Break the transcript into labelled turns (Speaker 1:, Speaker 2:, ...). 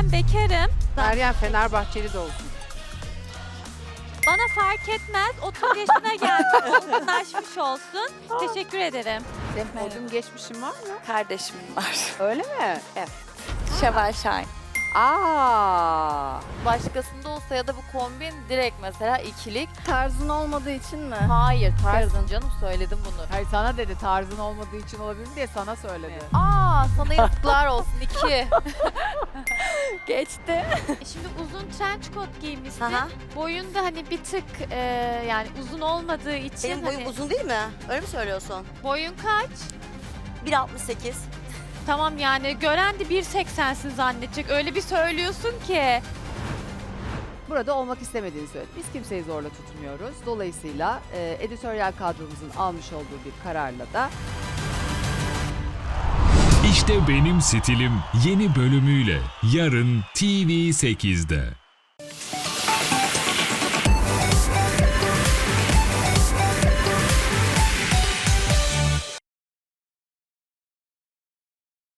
Speaker 1: ben bekarım.
Speaker 2: Meryem Fenerbahçeli de olsun.
Speaker 1: Bana fark etmez. 30 yaşına geldim. Olgunlaşmış olsun. Teşekkür ederim.
Speaker 2: Senin podyum geçmişin var mı?
Speaker 3: Kardeşimin var.
Speaker 2: Öyle mi?
Speaker 3: Şevval Şahin.
Speaker 2: Aa.
Speaker 3: Başkasında olsa ya da bu kombin direkt mesela ikilik.
Speaker 4: Tarzın olmadığı için mi?
Speaker 3: Hayır tarzın
Speaker 4: Kırdın.
Speaker 3: canım söyledim bunu.
Speaker 5: Hayır sana dedi tarzın olmadığı için olabilir mi diye sana söyledi.
Speaker 3: Aa sana yazıklar olsun 2.
Speaker 4: Geçti.
Speaker 1: Şimdi uzun trench coat giymişsin.
Speaker 6: Aha.
Speaker 1: Boyun da hani bir tık yani uzun olmadığı için.
Speaker 6: Benim boyum
Speaker 1: hani,
Speaker 6: uzun değil mi? Öyle mi söylüyorsun?
Speaker 1: Boyun kaç?
Speaker 6: 1.68.
Speaker 1: Tamam yani gören de 1.80'sin zannedecek. Öyle bir söylüyorsun ki.
Speaker 5: Burada olmak istemediğini söyledi. Biz kimseyi zorla tutmuyoruz. Dolayısıyla editoryal kadromuzun almış olduğu bir kararla da
Speaker 7: İşte Benim Stilim yeni bölümüyle yarın TV8'de.